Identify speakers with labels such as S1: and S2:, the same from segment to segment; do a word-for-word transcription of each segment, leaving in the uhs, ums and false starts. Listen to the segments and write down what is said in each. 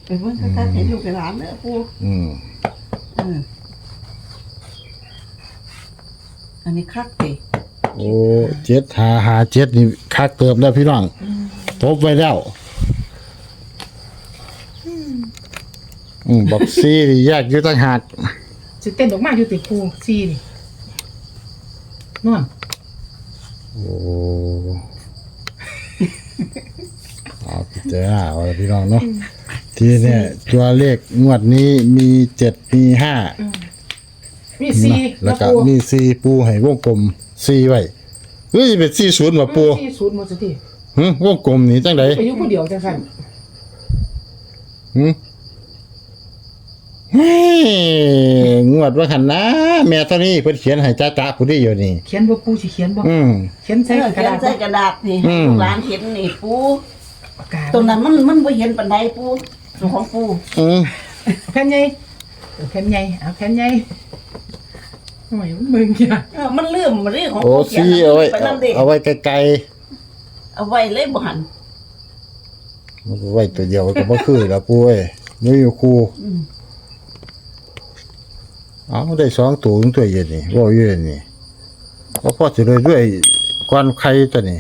S1: ไปเบิ่งคักๆให้ลูกให้หลานเด้อปู
S2: อืม
S1: อืมอันนี้คักติ
S2: โอ้เจ็ดหาหาเจ็ดนี่คักเติมแล้วพี่น้องทบไว้แล้วอืมบอกซีนี่แยกอยู่ต่างหาก
S3: สิเต้นออกมาอยู่ติดปูซีนี่นอน
S2: โอ้เอาพิจารณาเอาละพี่น้องเนาะทีเนี่ยตัวเลขงวดนี้มีเจ็ดมีห้า
S3: มีซี
S2: แล้วก็มีซีปูให้วงกลมซีไว้เฮ้ยเป็นซีศูนย์มาปู
S3: ซีศูนย์หมดสิ
S2: หึวงกลมนี่จังได๋
S3: ไปอยู่ผู้เดียวจังซั่น
S2: หึเฮ้ยงวดว่าคั่นนะแม่ตอนนี้เพิ่นเขียนให้จ้าๆผู้นี้อยู่นี่
S3: เขียนบ่ปูสิเขียนบ่
S2: อืม
S3: เขียนใส่กระดาษ
S1: ใส่กระดาษนี่ลูกหลานเห็นนี่ปู
S3: ปากกา
S1: ตรงนั้นมันมันบ่เห็นปานใดปูของปู
S2: อืม
S3: แผ่นใหญ่แผ่นใหญ่เอาแผ่นใหญ่โอ้ยมึงจ้ะ
S1: เออมันลืมมันเรื่องของ
S2: โอ้ซีเอาไว้เอาไว้ไกล
S1: ๆเอาไว้เลยบ่หัน
S2: มันไว้ตัวเดียวก็บ่คือแล้วปุ้ยนี่อยู่คู่
S1: อืม
S2: เอาได้สองตัวถึงตัวเย็นนี่บ่อยู่นี่ก็พอสิเลยด้วยกวนไข่ตัวนี้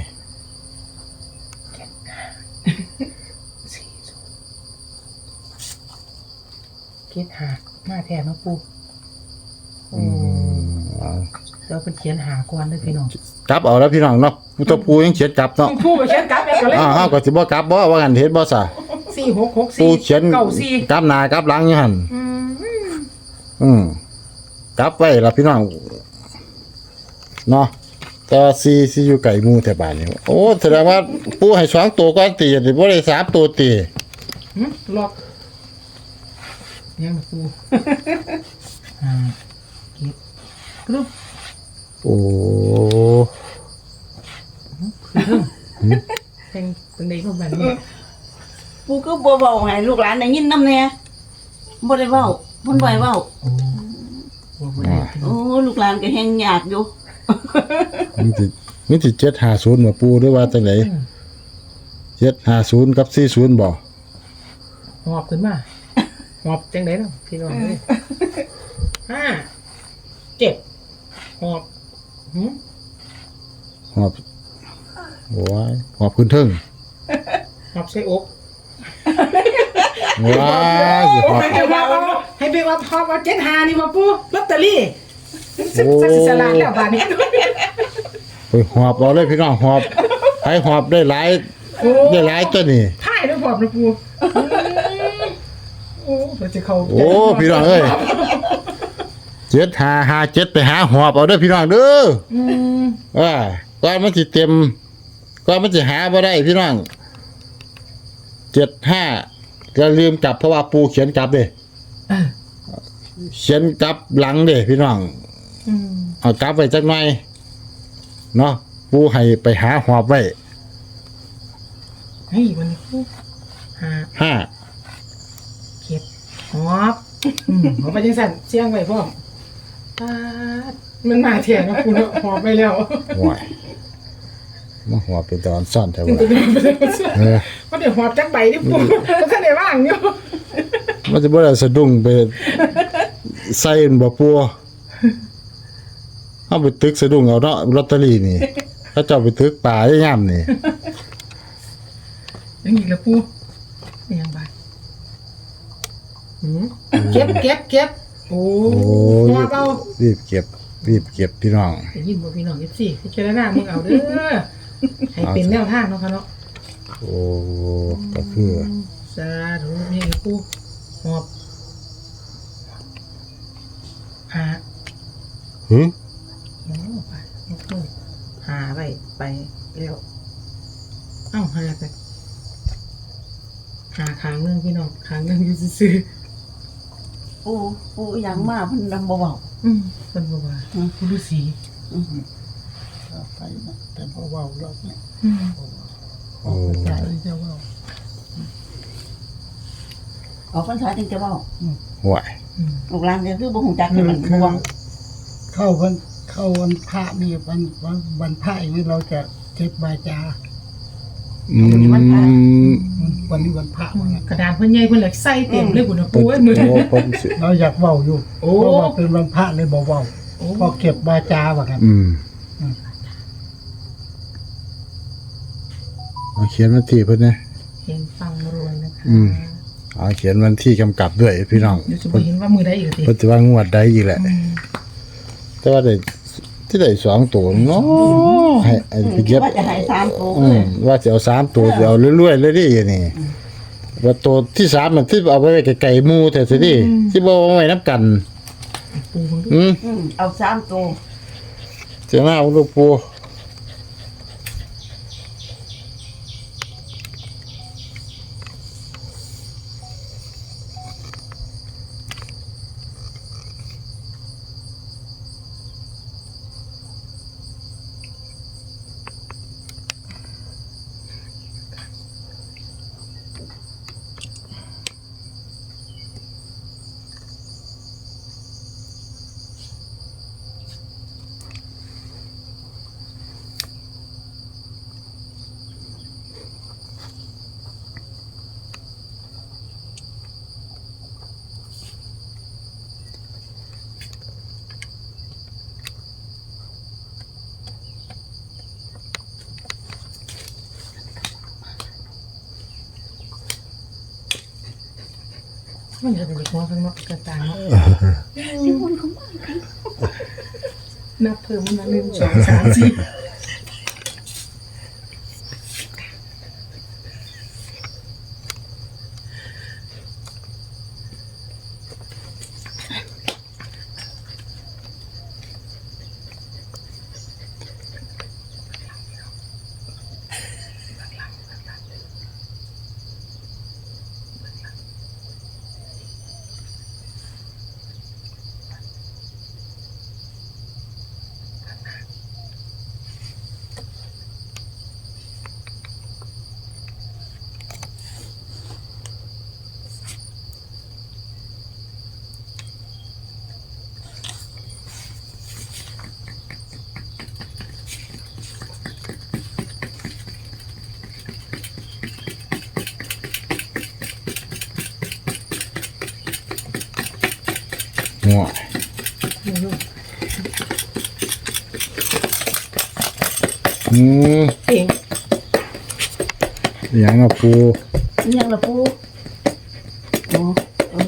S3: เขียนหามาแทนมาปูอืมเราเป็นเขียนหาก่อนเด้อพี่น้อง
S2: กลับเอาแล้วพี่น้องเนาะผู้ตัวปูยังเขียนกลับเนาะ
S3: ปูก็เขียนกลับแล้วก็เลย
S2: อ้าวก็สิบ่กลับบ่ว่ากันเฮ็ดบ่ซะ
S3: สี่หกหกสี่
S2: ปูเขียน
S3: เก้าสี่
S2: กลับหน้ากลับหลังอยู่หั่น
S3: อืม
S2: อืมกลับไว้ล่ะพี่น้องเนาะแต่ว่าซีซีอยู่ไกลหมู่แถวบ้านนี่โอ้แสดงว่าปูให้สองตัวก่อนตีนี่บ่ได้สามตัวตี
S3: หึล็อกยังปูอ่าเก็บกรุ๊ป
S2: โอ้
S3: เป็นเป็นเด็กคนแบบนี้
S1: ปูก็บ่เว้าให้ลูกหลานได้ยินนำแน่บ่ได้เว้าเพิ่นบ่ให้เว้าโอ้ลูกหลานก็แฮงยากอยู่
S2: มันสิมันสิเจ็ดห้าศูนย์บ่ปูหรือว่าจังได๋เจ็ดห้าศูนย์กับสี่ศูนย์บ่
S3: หอบขึ้นมาหอบจังได๋เนาะพี่น้องเอ้ยห้าเจ็ดหอบหึ
S2: หอบโอ้ยหอบขึ้นเทิง
S3: หอบใส่อก
S2: ว้ายหอบ
S3: ให้ไปว่าให้ไปว่าหอบเอาเจ็ดห้านี่มาปูลอตเตอรี่สักสิสลาดแล้วบาดนี้
S2: ไปหอบเอาเลยพี่น้องหอบให้หอบได้หลายได้หลายตัวนี่
S3: ถ่ายด้วยหอบนะปูโอ้เพิ่นสิเข้า
S2: โอ้พี่น้องเอ้ยเจ็ดห้าห้าเจ็ดไปหาหอบเอาเด้อพี่น้องเด้ออืมอ่าก่อนมันสิเต็มก่อนมันสิหาบ่ได้พี่น้องเจ็ดห้าก็ลืมกลับเพราะว่าปูเขียนกลับเด้เขียนกลับหลังเด้พี่น้อง
S3: อืม
S2: เอากลับไว้จักหน่อยเนาะปูให้ไปหาหอบไว้
S3: เฮ้ยวันนี้ปูห้า
S2: ห้า
S3: เก็บหอบอืมหอบไปจังซั่นเสียงไว้พร้อมตามันมาแท้เนาะปูเนาะหอบไปแล้ว
S2: โอ้ยมาหอบเป็นตอนซ่อนแท้ว่า
S3: เออมันได้หอบจักใบนี่ปูมันทันได้ว่างอยู่
S2: มันจะบ่ได้สะดุ้งไปใส่บ่ปูเอาไปตึกสะดุ้งเอาเนาะลอตเตอรี่นี่ถ้าเจ้าไปตึกป่าได้ยามนี่
S3: ยังอีกละปูยังบาดหืมเก็บเก็บเก็บโอ้หอบเอา
S2: รีบเก็บรีบเก็บพี่น้อง
S3: ได้ยินบ่พี่น้อง เอฟ ซี พิจารณามึงเอาเด้อให้เป็นแนวทางเนาะค่ะเนาะ
S2: โอ้ก็คือ
S3: สาธุนี่ปูหอบหา
S2: หึ
S3: โอ้ไปหาไปไปแล้วเอ้าหาไปหาครั้งนึงพี่น้องครั้งนึงอยู่ซื่อ
S1: ปูปูหยังมาเพิ่นนำบ่เว้า
S3: อืมเพิ่นบ่ว่าผู้ฤาษี
S1: อือ
S3: ไปนะแต่บ่เว้ารอบนี้
S2: อืมโอ้
S3: ใจจะเว้า
S1: ออกพรรษาจึงจะเว้า
S2: ห่วย
S1: ลูกหลานก็คือบ่ฮู้จักกันบ่เว้า
S4: เข้าวันเข้าวันพระนี่วันวันวันพระนี่เราจะเก็บวาจา
S2: อืม
S3: วันพระ
S4: วันนี้วันพระว่างั้น
S3: กระดานเพิ่นใหญ่เพิ่นเลยใส่เต็มเลยพุ่นนะปูเอ้ยมือ
S2: โอ้เพิ่นสิ
S4: เราอยากเว้าอยู่
S3: โอ้
S4: เพราะว่าเป็นวันพระเลยบ่เว้าพอเก็บวาจาว่ากัน
S2: อืมเอาเขียนวันที่เพิ่นนะ
S3: เห็นฟังรวยนะคะ
S2: อืม เอาเขียนวันที่กำกับด้วยพี่น้อง
S3: เดี๋ยวจะบ่เห็นว่ามือใดอีกที
S2: เพิ่นจะว่างวดใดอีกแหละ แต่ว่าได้ที่ได้สองตัวเนาะให้ไอ้ไปเก็บ
S1: ว่าจะให้สามตัว
S2: อื
S1: เล
S2: ม
S1: ย
S2: ว่าจะเอาสามตัวจะเอาเรื่อยๆเลยดินี่ว่าตัวที่สามมันที่เอาไว้ไกลๆหมู่แต่สิดิที่บ่เอาไว้นับกัน
S3: ปูเพิ่นดู
S2: อืม
S1: อืมเอาสามตัว
S2: เจ้าหน้าลูกปู
S3: มันจะเป็นหัวข้างนอกกระตางเนาะนับเพิ่มมันมาหนึ่งสองสามสี่
S2: หัวอืม
S3: เอง
S2: อย่างอ่ะปู
S1: ยังละปูโอ้เออ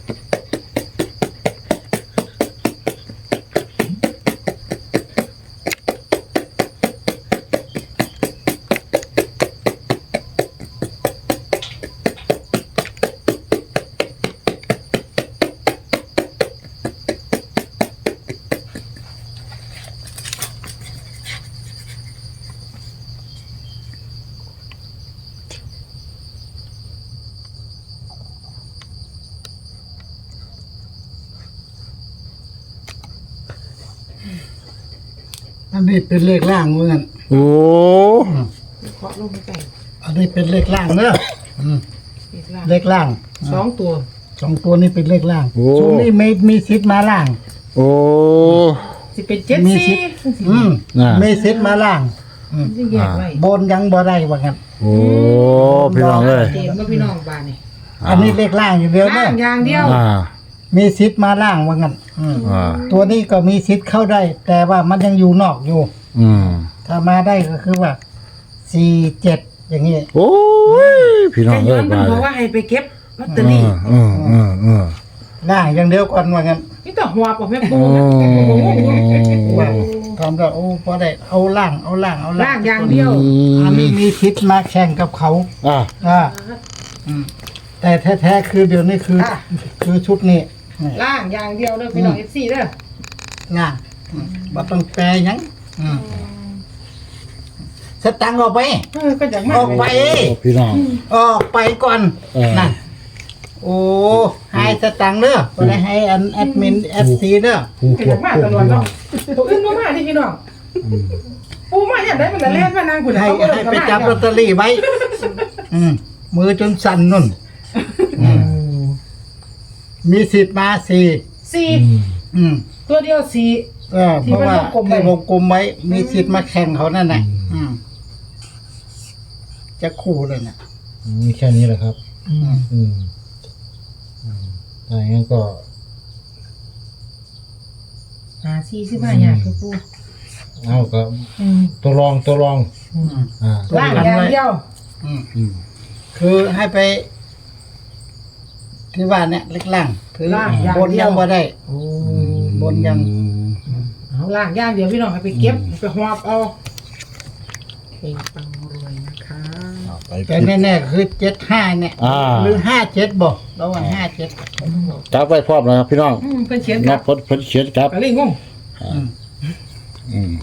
S4: อันนี้เป็นเลขล่างว่างั้น
S2: โอ้
S3: เคาะลงไป
S4: อันนี้เป็นเลขล่างเนอะอืม
S3: อีกล่าง
S4: เลขล่าง
S3: สองตัว
S4: สองตัวนี้เป็นเลขล่าง
S2: โอ้
S4: ช่วงนี้ไม่มีสิทธิ์มาล่าง
S2: โอ้
S3: สิเป็นเจ็ด
S4: มี
S3: สี่
S4: สิทธิ์ อืม
S2: อ่า
S4: มีสิทธิ์มาล่าง
S3: จะแยกไว้
S4: บนยังบ่ได้ว่างั้น
S2: โอ้พี่น้องเอ้ย
S3: เต็มแล้วพี่น้องบ้านนี่
S4: อันนี้เลขล่างอย่างเดียว
S3: ล่า
S4: เนอะ
S3: งอย่างเดียว
S2: อ่า
S4: มีสิทธิ์มาล่างว่างั้นอืม
S2: อ่า
S4: ตัวนี้ก็มีสิทธิ์เข้าได้ แต่ว่ามันยังอยู่นอกอยู่
S2: อืม
S4: ถ้ามาได้ก็คือว่าสี่เจ็ดอย่างนี้
S2: โอ้ยพี่น้อง
S3: แต่ย้
S2: เอ้
S3: อย นมัน
S2: มา
S3: บ
S2: เล
S3: อก
S2: ย
S3: ว่าให้ไปเก็บลอตเตอ
S2: เอ
S3: รี่
S2: อเออเออเออ
S4: ล่างอย่างเดียวก่อนว่างั้น
S3: นี่แต่หัวปอกแม่ปู
S2: โอ้
S4: ว่าทำได้โอ้พอได้เอาล่างเอาล่างเอา
S3: ล่างอย่างเดียว
S4: อันนี้มีสิทธิ์มาแข่งกับเขา
S2: อ่ะ
S4: อ่าอืมแต่แท้ๆคือเดี๋ยวนี้คือ
S3: อ่ะ
S4: คือชุดนี้นี่
S3: ล่างอย่างเดียวเด้อพี่น้องเอฟซีเด้อ
S4: ล่างอืมบ่ต้องแปลหยังอืมสตังค์ออกไป
S3: เออก็จากมา
S4: ออกไป
S2: โอ้พี่น้อง
S4: ออกไปก่อน
S2: เออ
S4: นั่นโอ้ให้สตังค์เด้อบ่ได้ให้อันแอดมินแอดซีเด้อ
S2: ผู้
S3: ก็
S2: คว
S3: จา
S2: บ
S3: กมา
S2: คุ
S3: ต
S2: ม
S3: ลอด
S2: พี่น้อ
S3: เนาะ
S2: ง
S3: ตัวอื่นบ่มาที่พี่น้องปูมาอย่างไรมันจะเล่นมานั่งคุณ
S4: ให้ให้ไปจับลอตเตอรี่ไว้ อืมมือจนสั่นนุ่นอืมมีสิทธิ์มาสี่
S3: สี่
S4: อืม
S3: ตัวเดียวสี่
S4: เออเพราะว่า
S3: ที่มันวงกลมไว้
S4: ที่วงกลมไว้ มีสิทธิ์มาแข่งเขานั่นแหละอืมจะคู่เลยเนี่ย
S2: มีแค่นี้แหละครับ
S3: อืม
S2: อืมอืมถ้าอย่างนั้นก็
S3: หาสี่สิบห้าอย่างคือปู
S2: เอาก็
S3: อืม
S2: ตัวรองตัวรอง
S3: อืม
S2: อ่า
S3: ล่างอย่างเดียว
S4: อืม
S2: อืม
S4: คือให้ไป ที่ว่าเนี่ยเล็กล่างคือบ
S3: น
S4: นยังบ่ได้
S3: โอ้
S4: บนยัง
S3: เอาล่างอย่างเดียวพี่น้องให้ไปเก็บไปหอบเอาเก่งปังรวยนะคะ
S2: เอาไป
S4: แต่แน่ๆคือเจ็ดห้าเนี่ย
S2: อ่า
S4: หรือห้าเจ็ดบอกระหว่างห้าเจ็ด
S2: จับไว้พร้อมนะครับพี่น้อง
S3: อืมเพิ่นเขียนค
S2: นั
S3: รั
S2: บบ พดเพิ่นเขียนครับ
S3: ก็เลยงง
S2: อืม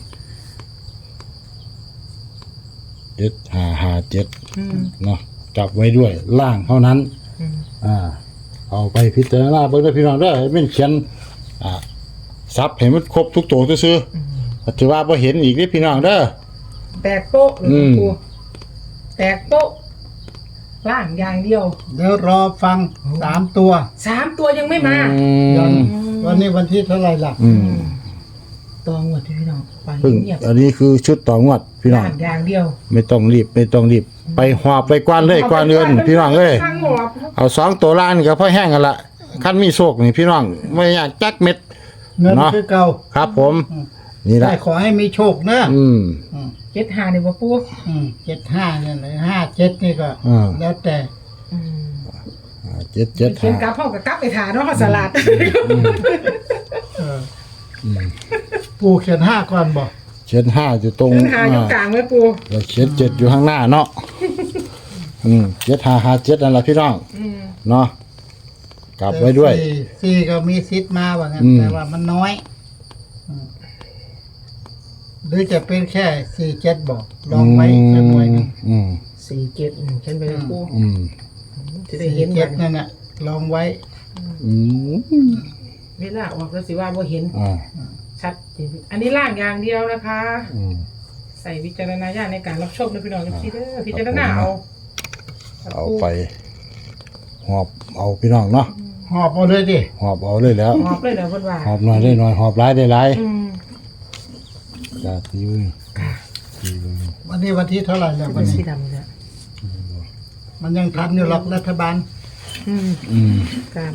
S2: เจ็ดห้าห้าเจ็ด
S3: อืม
S2: เนาะจับไว้ด้วยล่างเท่านั้น
S3: อืม
S2: อ่า เอาไปพิจารณาเบิ่งเด้อพี่น้องเด้อให้มันเขียน อ่าซับให้มันครบทุกตัวซื่อๆถือว่าบ่เห็นอีกนี่พี่น้องเด้อ
S3: แตกโป๊ะหรือ
S2: อืม
S3: ปูแตกโป๊ะล่างอย่างเดียว
S4: เดี๋ยวรอฟังสามตัว
S3: สามตัวยังไม่มา
S2: อื
S4: ยัง
S2: ม
S4: วันนี้วันที่เท่าไหร่ล่ะ
S2: อืม
S3: ตัวงวดที่พี่น้องฟัง
S2: เพิ่ง
S3: เงียบ
S2: อันนี้คือชุดต่องวดพี่น้อง
S3: ล่างอย่างเดียว
S2: ไม่ต้องรีบ ไม่ต้องรีบ ไปหอบไปกวนเลยกวนเดือนพี่น้องเอ้ย
S3: ข้างหอบ
S2: เอาสองตัวล่างนี่ก็พอแห้งกันละคันมีโชคนี่พี่น้องไม่อยากจักเม็ด
S4: เงิน
S2: เนาะ
S4: คือเก่า
S2: ครับผม นี่
S4: ได้
S2: ละ
S4: ขอให้มีโชคนะ
S2: อืม
S4: อืม
S3: เจ็ดหาเนี่ยว่าปู
S4: อืมเจ็ดห้าเนี่ยเลยห้าเจ็ดนี่ก็
S2: อ่า
S4: แล้วแต่
S3: อืม
S2: อ่าเจ็ดเจ็ด
S3: เขียนกลั
S2: ห้า
S3: บห้องกับกลับไปถ่าเนาะสลัด
S4: เออ
S2: อืม
S4: ปูเขียนห้าก่อนบอก
S2: เจ็ดห้าอยู่ตรง
S3: เขียนหาอยู่
S2: อ่าก
S3: ลางไว้ปู
S2: แล้วเจ็ดเจ็ดอยู่ข้างหน้าเนาะอืมเจ็ดห้าห้าเจ็ดนั่นแหละพี่น้อง
S3: อืม
S2: เนาะกลับไว้ด้วย
S4: สี่สี่ก็มีซิดมาว่างั้น
S2: อืม
S4: แต่ว่ามันน้อยอืมหรือจะเป็นแค่สี่เจ็ดบอกลองไว้สักหน่อยหนึง
S2: อืม
S3: สี่เจ็ดอืมเขียนไปเลยปู
S2: อืม
S3: จะได้
S4: สี่
S3: เห็น
S4: เจ็
S3: กั
S4: ด
S3: น
S4: นั่นน่ะลองไว้
S2: อืม
S3: เวลาออกก็สิว่าบ่เห็น
S2: อ่า
S3: ชัดเจนอันนี้ล่างอย่างเดียวนะคะ
S2: อืม
S3: ใส่วิจารณญาณในการรับชมนะพี่น้องพี่เด้อพิจารณาเอา
S2: เอาไปหอบเอาพี่น้องเนาะ
S4: หอบเอาเลยดิ
S2: หอบเอาเลยแล้ว
S3: หอบเลยเด้อเพิ่นว่า
S2: หอบหน่อยได้หน่อยหอบหลายได้หลาย
S3: อืม
S2: จ้าตีมือตีมือ
S4: วันนี้วันที่เท่าไหร่แล้ว
S3: เป็
S4: วัน น
S3: สี
S4: นี้
S3: ดำเนี่ย
S4: มันยังทันอยู่หรอกรัฐบาล
S3: อืม
S2: อืม
S3: การ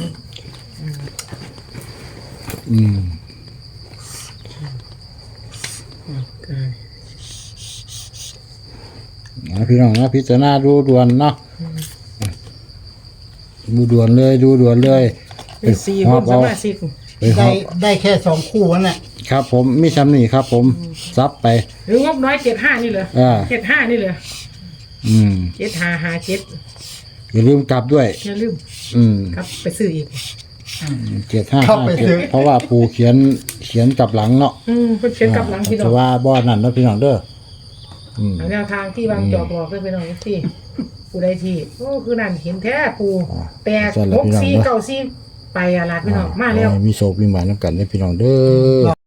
S2: อืม
S3: การ
S2: นะพี่น้องนะพิจารณาดูด่วนเนาะดูด่วนเลยดูด่วนเลย
S3: เป็นสี่
S2: ห
S3: ค
S2: อน บ
S3: ส
S2: เอา
S3: มาชิก
S2: ไปห
S4: ได้
S2: อบ
S4: ได้แค่สองคู่นั่นแหละ
S2: ครับผมมีชำนี่ครับ ผมซับไป
S3: หรืองบน้อยเจ็ดห้านี่เหรอ
S2: อ่า
S3: เจ็ดห้านี่เหรอ
S2: อืม
S3: เจ็ดห้าห้าเจ็ด
S2: อย่าลืมกลับด้วย
S3: อย่าลืม
S2: อืม
S3: ครับไปซื้ออีก
S2: เจ็ดห้าห้าเจ็ดเพราะว่าปูเขียนเขียนกลับหลังเนาะ
S3: อืมเพิ่นเขียนกลับหลังพี่น้อ
S2: จะ
S3: ง
S2: ว่าบ่อนั่นเนาะพี่น้องเด้ออืม
S3: เอาแนวทางที่วางจอกหลอกเลยพี่น้องที่ปูได้ที่โอ้คือนั่นเห็นแท้ปูแตกหกสี่เก้าสี่ไปอาลาดพี่น้องมาแล้ว
S2: ให้มีโศกมีหมายน้ำกันได้พี่น้องเด้อ